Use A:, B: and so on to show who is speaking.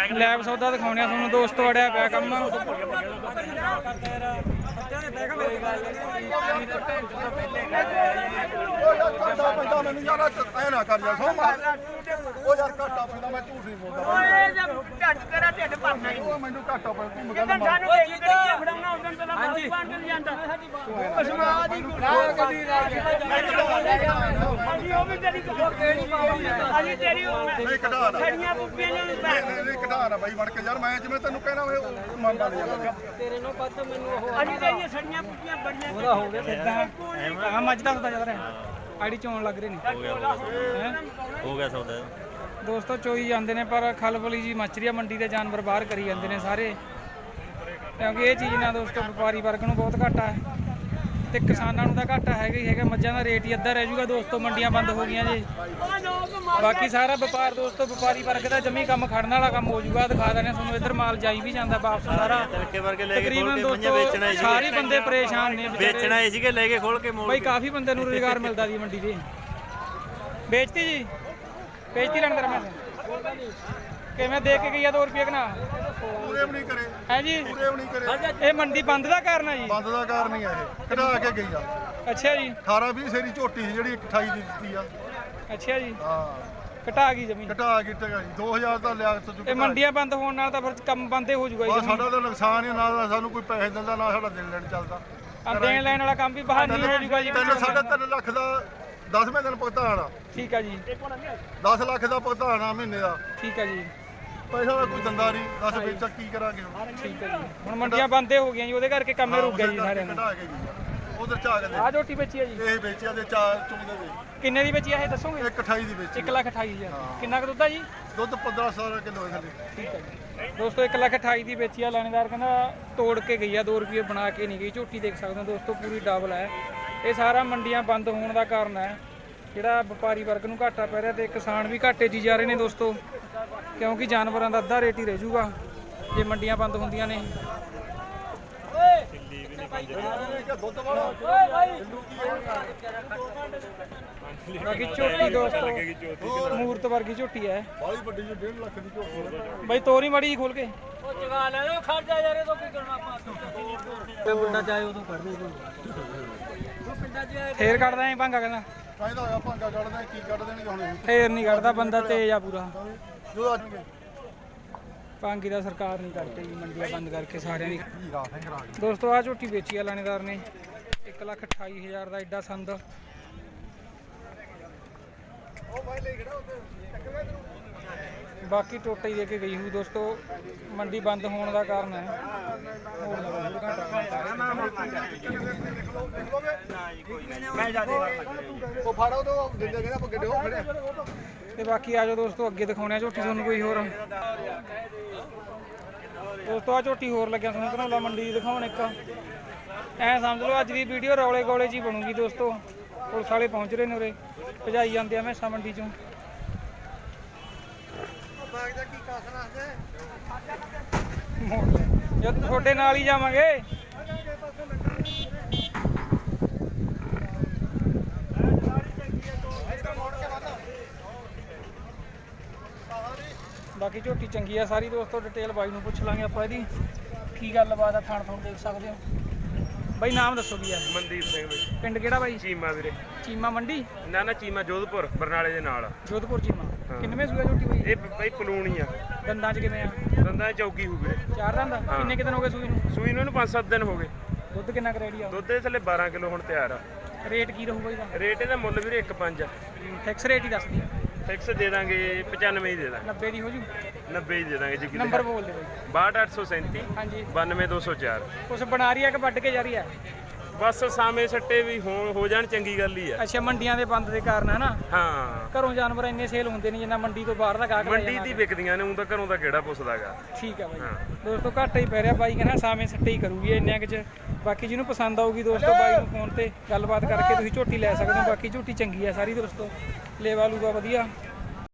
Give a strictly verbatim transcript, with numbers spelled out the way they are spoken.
A: Lab ਸੌਦਾ ਦਿਖਾਉਣੇ ਆ ਤੁਹਾਨੂੰ ਦੋਸਤੋ। ਅੜਿਆ ਪਿਆ ਕੰਮ।
B: ਮੈਨੂੰ ਯਾਰ ਐ ਨਾ ਕਰ ਜਾ ਸੋ ਉਹ ਯਾਰ ਘਾਟਾ ਪੈਂਦਾ ਮੈਂ ਝੂਠ ਨਹੀਂ ਬੋਲਦਾ ਓਏ ਢੱਡ ਤੇਰਾ ਢਿੱਡ ਭਰਨਾ ਹੀ ਉਹ ਮੈਨੂੰ ਘਾਟਾ ਪੈਂਦਾ ਤੂੰ ਮਗਾ ਨਾ ਸਾਨੂੰ ਦੇਖ ਕੇ ਕੀ ਫੜਾਉਣਾ ਉਦੋਂ ਪਹਿਲਾਂ ਹਾਂਜੀ ਪੰਜ ਨਹੀਂ ਜਾਂਦਾ ਅਸਮਾ ਦੀ ਗੁਨਾਹ ਕਦੀ ਅਸੀਂ ਉਹ ਵੀ ਤੇਰੀ ਕਿਹੜੀ ਪਾਉਂਦੀ ਅਸੀਂ ਤੇਰੀ ਨਹੀਂ ਕਢਾ ਨਾ ਛੜੀਆਂ ਬੁੱਪੀਆਂ ਨੂੰ ਨਹੀਂ ਕਢਾ ਨਾ ਬਾਈ ਬਣ ਕੇ ਯਾਰ ਮੈਂ ਜਿਵੇਂ ਤੈਨੂੰ ਕਹਿਣਾ ਵੇ ਮੰਨਦਾ ਨਹੀਂ ਯਾਰ ਤੇਰੇ ਨੂੰ ਪਤਾ ਮੈਨੂੰ ਉਹ ਅਸੀਂ ਤੇਰੀਆਂ ਛੜੀਆਂ ਬੁੱਪੀਆਂ ਬੜੀਆਂ ਉਹਦਾ ਹੋ ਗਿਆ ਸਿੱਧਾ ਆ ਮੱਝ ਦਾ ਹੁੰਦਾ ਚੱਲ ਰਿਹਾ ਆੜੀ ਚੋਣ ਲੱਗ ਰਹੇ ਨੇ
C: ਹੋ ਗਿਆ ਸੌਦਾ
A: ਦੋਸਤੋ। ਚੋਈ ਜਾਂਦੇ ਨੇ ਪਰ ਖਲਬਲੀ ਜੀ ਮੱਚ ਰਹੀ ਆ ਮੰਡੀ ਦੇ ਜਾਨਵਰ ਬਾਹਰ ਕਰੀ ਜਾਂਦੇ ਨੇ ਸਾਰੇ ਕਿਉਂਕਿ ਇਹ ਚੀਜ਼ ਨਾਲ ਦੋਸਤੋ ਵਪਾਰੀ ਵਰਗ ਨੂੰ ਬਹੁਤ ਘਾਟਾ ਹੈ ਤੇ ਕਿਸਾਨਾਂ ਨੂੰ ਤਾਂ ਘਾਟਾ ਹੈਗਾ ਹੀ ਹੈਗਾ। ਮੱਝਾਂ ਦਾ ਰੇਟ ਹੀ ਅੱਧਾ ਰਹਿ ਜਾਊਗਾ ਦੋਸਤੋ। ਮੰਡੀਆਂ ਬੰਦ ਹੋ ਗਈਆਂ ਜੀ। ਬਾਕੀ ਸਾਰਾ ਵਪਾਰ ਦੋਸਤੋ ਵਪਾਰੀ ਵਰਗ ਦਾ ਜਮੀ ਕੰਮ ਖੜਨ ਵਾਲਾ ਕੰਮ ਹੋ ਜਾਊਗਾ। ਦਿਖਾ ਦਿੰਦੇ ਤੁਹਾਨੂੰ ਇੱਧਰ ਮਾਲ ਜਾਈ ਵੀ ਜਾਂਦਾ ਵਾਪਸ ਸਾਰਾ। ਤਕਰੀਬਨ ਦੋਸਤੋ ਸਾਰੇ ਬੰਦੇ ਪਰੇਸ਼ਾਨ ਨੇ
C: ਵੇਚਣਾ ਹੀ ਸੀਗੇ ਲੈ ਕੇ ਖੋਲ ਕੇ
A: ਬਾਈ ਕਾਫੀ ਬੰਦੇ ਨੂੰ ਰੁਜ਼ਗਾਰ ਮਿਲਦਾ ਜੀ ਮੰਡੀ ਦੇ। ਵੇਚਤੀ ਜੀ ਵੇਚਤੀ ਲੈਣ ਤੇਰਾ ਮੈਂ ਕਿਵੇਂ ਦੇਖ ਕੇ ਗਈ ਆ ਦੋ ਰੁਪਏ ਕਨਾ
B: ਪੂਰੇ ਵੀ ਨਹੀਂ ਕਰੇ
A: ਹੈ ਜੀ
B: ਪੂਰੇ ਵੀ ਨਹੀਂ ਕਰੇ।
A: ਇਹ ਮੰਡੀ ਬੰਦ ਦਾ ਕਾਰਨ ਹੈ ਜੀ।
B: ਬੰਦ ਦਾ ਕਾਰਨ ਹੀ ਆ ਇਹ ਕਢਾ ਕੇ ਗਈ ਆ।
A: ਅੱਛਾ ਜੀ
B: ਅਠਾਰਾਂ ਵੀਹ ਸੇਰੀ ਝੋਟੀ ਸੀ ਜਿਹੜੀ ਅਠਾਈ ਦੀ ਦਿੱਤੀ ਆ।
A: ਅੱਛਾ ਜੀ
B: ਹਾਂ
A: ਘਟਾ ਗਈ ਜ਼ਮੀਨ
B: ਘਟਾ ਕੇ ਟਗਾ ਜੀ ਦੋ ਹਜ਼ਾਰ ਦਾ ਲਿਆ ਤੋਂ
A: ਇਹ ਮੰਡੀਆਂ ਬੰਦ ਹੋਣ ਨਾਲ ਤਾਂ ਫਿਰ ਕੰਮ ਬੰਦੇ ਹੋ ਜਾਊਗਾ ਜੀ।
B: ਸਾਡਾ ਤਾਂ ਨੁਕਸਾਨ ਹੀ ਨਾ ਸਾਨੂੰ ਕੋਈ ਪੈਸੇ ਦਿੰਦਾ ਨਾ ਸਾਡਾ ਦੇਣ ਲੈਣ ਚੱਲਦਾ।
A: ਆ ਦੇਣ ਲੈਣ ਵਾਲਾ ਕੰਮ ਵੀ ਬਾਹਰ ਨਹੀਂ ਹੋ ਜਾਊਗਾ ਜੀ।
B: ਤਿੰਨ ਸਾਢੇ ਤਿੰਨ ਲੱਖ ਦਾ ਦਸਵੇਂ ਦਿਨ ਭੁਗਤਾਨ ਆ।
A: ਠੀਕ ਆ ਜੀ
B: ਦਸ ਲੱਖ ਦਾ ਭੁਗਤਾਨ ਆ ਮਹੀਨੇ ਦਾ।
A: ਠੀਕ ਆ ਜੀ
B: ਪੈਸਾ ਦਾ ਕੋਈ ਦੰਦਾ ਨਹੀਂ। ਦਸ ਵੇਚਾ ਕੀ ਕਰਾਂਗੇ ਹੁਣ।
A: ਠੀਕ ਆ ਜੀ ਹੁਣ ਮੰਡੀਆਂ ਬੰਦੇ ਹੋ ਗਈਆਂ ਜੀ ਉਹਦੇ ਕਰਕੇ ਕੰਮ ਰੁਕ ਗਿਆ ਜੀ ਸਾਰਿਆਂ ਦਾ।
B: ਕਢਾ ਕੇ ਗਈ ਉਧਰ ਚਾ ਕੇ
A: ਆ ਝੋਟੀ ਵੇਚੀ ਆ ਜੀ
B: ਇਹ ਵੇਚਿਆ ਤੇ ਚਾਰ ਚੁੰਦੇ ਵੇ
A: ਕਿੰਨੇ ਦੀ ਵੇਚੀ ਆ ਇਹ ਦੱਸੋਗੇ?
B: ਇੱਕ ਅਠਾਈ ਦੀ ਵੇਚੀ
A: ਇੱਕ ਲੱਖ ਅਠਾਈ ਹਜ਼ਾਰ ਕਿੰਨਾ ਕੁ ਦੁੱਧ ਆ ਜੀ?
B: ਦੁੱਧ ਪੰਦਰਾਂ ਸੌ ਕਿਲੋ ਹੈ ਥੱਲੇ।
A: ਠੀਕ ਆ ਜੀ ਦੋਸਤੋ ਇੱਕ ਲੱਖ ਅਠਾਈ ਦੀ ਵੇਚੀ ਆ। ਲਾਣੇਦਾਰ ਕਹਿੰਦਾ ਤੋੜ ਕੇ ਗਈ ਆ ਦੋ ਰੁਪਏ ਬਣਾ ਕੇ ਨਹੀਂ ਗਈ। ਝੋਟੀ ਦੇਖ ਸਕਦੇ ਹੋ ਦੋਸਤੋ ਪੂਰੀ ਡਬਲ ਹੈ। ਇਹ ਸਾਰਾ ਮੰਡੀਆਂ ਬੰਦ ਹੋਣ ਦਾ ਕਾਰਨ ਹੈ ਜਿਹੜਾ ਵਪਾਰੀ ਵਰਗ ਨੂੰ ਘਾਟਾ ਪੈ ਰਿਹਾ ਤੇ ਕਿਸਾਨ ਵੀ ਘਾਟੇ 'ਚ ਜਾ ਰਹੇ ਨੇ ਦੋਸਤੋ ਕਿਉਂਕਿ ਜਾਨਵਰਾਂ ਦਾ ਅੱਧਾ ਰੇਟ ਹੀ ਰਹਿ ਜਾਊਗਾ ਜੇ ਮੰਡੀਆਂ ਬੰਦ ਹੁੰਦੀਆਂ ਨੇ। ਬਾਕੀ ਝੋਟੀ ਦੋਸਤੋ ਮੂਰਤ ਵਰਗੀ ਝੋਟੀ ਹੈ
B: ਬਾਲੀ ਵੱਡੀ ਜੀ ਡੇਢ ਲੱਖ ਦੀ ਝੋਟੀ
A: ਬਾਈ ਤੋਰੀ ਮੜੀ ਖੋਲ ਕੇ
D: ਉਹ ਜਗਾ ਲੈ ਲੋ ਖਰਚਾ ਯਾਰ ਇਹ ਤੋਂ ਕੀ ਕਰਨਾ ਆਪਾਂ ਤੇ ਮੁੰਡਾ ਚਾਹੇ ਉਦੋਂ ਕੱਢ ਦੇ ਉਹ ਪਿੰਡਾਂ 'ਚ
A: ਫੇਰ ਕੱਢਦਾ ਐ ਭਾਂਗਾ ਕਹਿੰਦਾ
B: ਕਹਿੰਦਾ ਹੋਇਆ ਭਾਂਗਾ ਕੱਢਦਾ ਕੀ ਕੱਢ ਦੇਣਗੇ ਹੁਣ
A: ਫੇਰ ਨਹੀਂ ਕੱਢਦਾ ਬੰਦਾ ਤੇਜ਼ ਆ ਪੂਰਾ।
B: ਜੋ ਆਜਣਗੇ
A: ਭਾਂਗੀ ਦਾ ਸਰਕਾਰ ਨਹੀਂ ਕਰਦੀ ਜੀ ਮੰਡੀਆਂ ਬੰਦ ਕਰਕੇ ਸਾਰਿਆਂ ਦੀ।
B: ਹੀਰਾ ਸਿੰਘ ਰਾਜ
A: ਦੋਸਤੋ ਆ ਝੋਟੀ ਵੇਚੀ ਆ ਲਾਣੇਦਾਰ ਨੇ ਇੱਕ ਲੱਖ ਅਠਾਈ ਹਜ਼ਾਰ ਦਾ ਐਡਾ ਸੰਦ। ਬਾਕੀ ਟੋਟਾ ਹੀ ਦੇ ਕੇ ਗਈ ਹੋਈ ਦੋਸਤੋ। ਮੰਡੀ ਬੰਦ ਹੋਣ ਦਾ ਕਾਰਨ ਹੈ
B: ਉਹ ਫਾੜੋ ਤੋਂ ਦਿੰਦੇ ਕਹਿੰਦਾ ਆਪਾਂ ਗੱਡੇ ਹੋ ਖੜੇ
A: ਤੇ ਬਾਕੀ ਆ ਜਾਓ ਦੋਸਤੋ ਅੱਗੇ ਦਿਖਾਉਣੇ ਆ ਝੋਟੀ ਤੁਹਾਨੂੰ ਕੋਈ ਹੋਰ। ਦੋਸਤੋ ਆ ਝੋਟੀ ਹੋਰ ਲੱਗਿਆ ਤੁਹਾਨੂੰ ਘਨੌਲਾ ਮੰਡੀ ਦੀ ਦਿਖਾਉਣ ਇੱਕ। ਐ ਸਮਝ ਲਓ ਅੱਜ ਦੀ ਵੀਡੀਓ ਰੌਲੇ ਗੋਲੇ 'ਚ ਹੀ ਬਣੂਗੀ ਦੋਸਤੋ। ਪੁਲਿਸ ਵਾਲੇ ਪਹੁੰਚ ਰਹੇ ਨੇ ਉਰੇ ਭਜਾਈ ਜਾਂਦੇ ਆ ਮੈਸਾਂ ਮੰਡੀ 'ਚੋਂ। ਜਦ ਤੁਹਾਡੇ ਨਾਲ ਹੀ ਜਾਵਾਂਗੇ। ਬਾਕੀ ਝੋਟੀ ਚੰਗੀ ਆ ਸਾਰੀ ਦੋਸਤੋ। ਡਿਟੇਲ ਬਾਈ ਨੂੰ ਪੁੱਛ ਲਾਂਗੇ ਆਪਾਂ ਇਹਦੀ ਕੀ ਗੱਲਬਾਤ ਆ। ਥਾਣ ਥਾਣ ਦੇਖ ਸਕਦੇ ਹੋ ਬਾਈ। ਨਾਮ ਦੱਸੋ ਕੀ ਆ?
E: ਮਨਦੀਪ ਸਿੰਘ ਬਾਈ।
A: ਪਿੰਡ ਕਿਹੜਾ ਬਾਈ?
E: ਚੀਮਾ ਵੀਰੇ।
A: ਚੀਮਾ ਮੰਡੀ?
E: ਨਾ ਨਾ ਚੀਮਾ ਜੋਧਪੁਰ ਬਰਨਾਲੇ ਦੇ ਨਾਲ।
A: ਜੋਧਪੁਰ ਚੀਮਾ। ਕਿੰਨਵੇਂ ਸੂਆ ਝੋਟੀ ਬਾਈ?
E: ਇਹ ਬਾਈ ਪਲੂਣੀ ਆ।
A: ਦੰਦਾਂ 'ਚ ਕਿਵੇਂ ਆ?
E: ਦੰਦਾਂ ਚੌਕੀ ਹੋ ਵੀਰੇ।
A: ਚਾਰ ਦੰਦ? ਕਿੰਨੇ ਕਿ ਦਿਨ ਹੋ ਗਏ ਸੂਈ ਨੂੰ?
E: ਸੂਈ ਨੂੰ ਇਹਨੂੰ ਪੰਜ ਸੱਤ ਦਿਨ ਹੋ ਗਏ।
A: ਦੁੱਧ ਕਿੰਨਾ ਕੁ ਰੈਡੀ ਆ?
E: ਦੁੱਧ ਦੇ ਥੱਲੇ ਬਾਰਾਂ ਕਿਲੋ ਹੁਣ ਤਿਆਰ ਆ।
A: ਰੇਟ ਕੀ ਰਹੂਗਾ ਇਹਦਾ?
E: ਰੇਟ ਇਹਦਾ ਮੁੱਲ ਵੀਰੇ ਇੱਕ ਪੰਜ ਆ।
A: ਫਿਕਸ ਰੇਟ ਹੀ ਦੱਸਦੀ ਆ।
E: ਫਿਕਸ ਦੇ ਦਾਂਗੇ ਪਚਾਨਵੇਂ ਹੀ ਦੇ ਦਾਂਗੇ।
A: ਨੱਬੇ ਦੀ ਹੋ ਜੂ?
E: ਨੱਬੇ ਹੀ ਦੇ ਦਾਂਗੇ ਜੀ।
A: ਨੰਬਰ ਬੋਲ ਦੇ ਬਾਈ।
E: ਬਾਹਠ ਅੱਠ ਸੌ ਸੈਂਤੀ
A: ਹਾਂਜੀ
E: ਬਾਨਵੇਂ ਦੋ ਸੌ ਚਾਰ।
A: ਕੁਛ ਬਣਾ ਰਹੀ ਆ ਕਿ ਵੱਢ ਕੇ ਜਾ ਰਹੀ ਆ?
E: ਬਸ ਸਾਵੇਂ ਸੱਟੇ ਵੀ ਹੋ ਹੋ ਜਾਣ ਚੰਗੀ ਗੱਲ ਹੀ ਆ।
A: ਅੱਛਾ ਮੰਡੀਆਂ ਦੇ ਬੰਦ ਦੇ ਕਾਰਨ ਹੈ ਨਾ?
E: ਹਾਂ
A: ਘਰੋਂ ਜਾਨਵਰ ਇੰਨੇ ਸੇਲ ਹੁੰਦੇ ਨਹੀਂ ਜਿੰਨਾ ਮੰਡੀ ਤੋਂ ਬਾਹਰ ਦਾ ਗਾਹਕ ਲੈ
E: ਮੰਡੀ ਦੀ ਵਿਕਦੀਆਂ ਨੇ। ਉਹ ਤਾਂ ਘਰੋਂ ਦਾ ਕਿਹੜਾ ਪੁੱਛਦਾਗਾ।
A: ਠੀਕ ਆ ਬਾਈ।
E: ਹਾਂ
A: ਦੋਸਤੋ ਘਾਟਾ ਹੀ ਪੈ ਰਿਹਾ ਬਾਈ ਕਹਿੰਦਾ ਸਾਵੇਂ ਸੱਟੇ ਹੀ ਕਰੂਗੀ ਇੰਨਿਆਂ ਕੁ 'ਚ। ਬਾਕੀ ਜਿਹਨੂੰ ਪਸੰਦ ਆਊਗੀ ਦੋਸਤੋ ਬਾਈ ਨੂੰ ਫੋਨ ਤੇ ਗੱਲਬਾਤ ਕਰਕੇ ਤੁਸੀਂ ਝੋਟੀ ਲੈ ਸਕਦੇ ਹੋ। ਬਾਕੀ ਝੋਟੀ ਚੰਗੀ ਆ ਸਾਰੀ ਦੋਸਤੋ। ਲੇਵਾ ਲੂਗਾ ਵਧੀਆ।